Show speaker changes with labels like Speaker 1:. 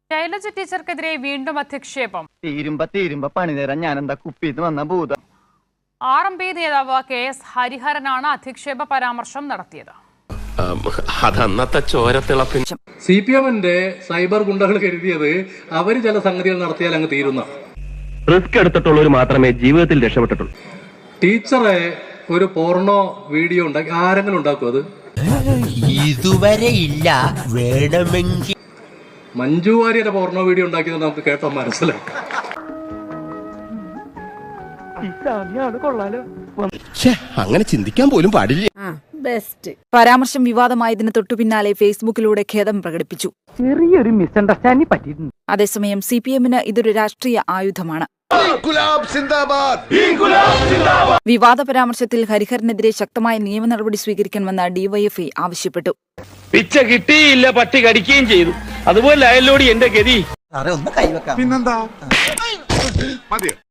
Speaker 1: ശൈലജ ടീച്ചർക്കെതിരെ വീണ്ടും അധിക്ഷേപം.
Speaker 2: തീരുമ്പ പണിതരാൻ ഞാനെന്താ കുപ്പിന്ന് വന്ന ഭൂതം.
Speaker 1: RMP നേതാവ് KS ഹരിഹരനാണ് അധിക്ഷേപ പരാമർശം നടത്തിയത്.
Speaker 3: അതന്നത്തെ ചോരത്തിളപ്പിൻ
Speaker 4: CPM-ന്റെ സൈബർ ഗുണ്ടകൾ കരുതിയത് അവര് ചില സംഗതികൾ നടത്തിയാൽ അങ്ങ് തീരുന്ന.
Speaker 5: റിസ്ക് എടുത്തിട്ടുള്ളവർ മാത്രമേ ജീവിതത്തിൽ രക്ഷപ്പെട്ടിട്ടുള്ളൂ.
Speaker 4: ടീച്ചറെ ഒരു പോർണോ വീഡിയോ ഉണ്ടാക്കി ആരെങ്കിലും ഉണ്ടാക്കും? അത്
Speaker 6: ഇതുവരെ ഇല്ല. വേണമെങ്കിൽ
Speaker 4: മഞ്ജു വാര്യരുടെ പോർണോ വീഡിയോ ഉണ്ടാക്കിയത് നമുക്ക് കേട്ടോ മനസ്സിലാക്കാം.
Speaker 3: അങ്ങനെ ചിന്തിക്കാൻ പോലും പാടില്ല.
Speaker 7: പരാമർശം വിവാദമായതിന് തൊട്ടു പിന്നാലെ ഫേസ്ബുക്കിലൂടെ ഖേദം പ്രകടിപ്പിച്ചു.
Speaker 2: ചെറിയൊരു മിസ്അണ്ടർസ്റ്റാൻഡിംഗ് പറ്റിയിട്ടുണ്ട്.
Speaker 7: അതേസമയം CPM-ന് ഇതൊരു രാഷ്ട്രീയ ആയുധമാണ്. വിവാദ പരാമർശത്തിൽ ഹരിഹരനെതിരെ ശക്തമായ നിയമ നടപടി സ്വീകരിക്കണമെന്ന് DYFI ആവശ്യപ്പെട്ടു.
Speaker 5: പിച്ച കിട്ടിയില്ല, പട്ടി കടിക്കുകയും ചെയ്തു. അതുപോലെ അയലോടി എന്റെ ഗതി.
Speaker 6: ഒന്ന് കൈവെക്കാം.
Speaker 8: പിന്നെന്താ?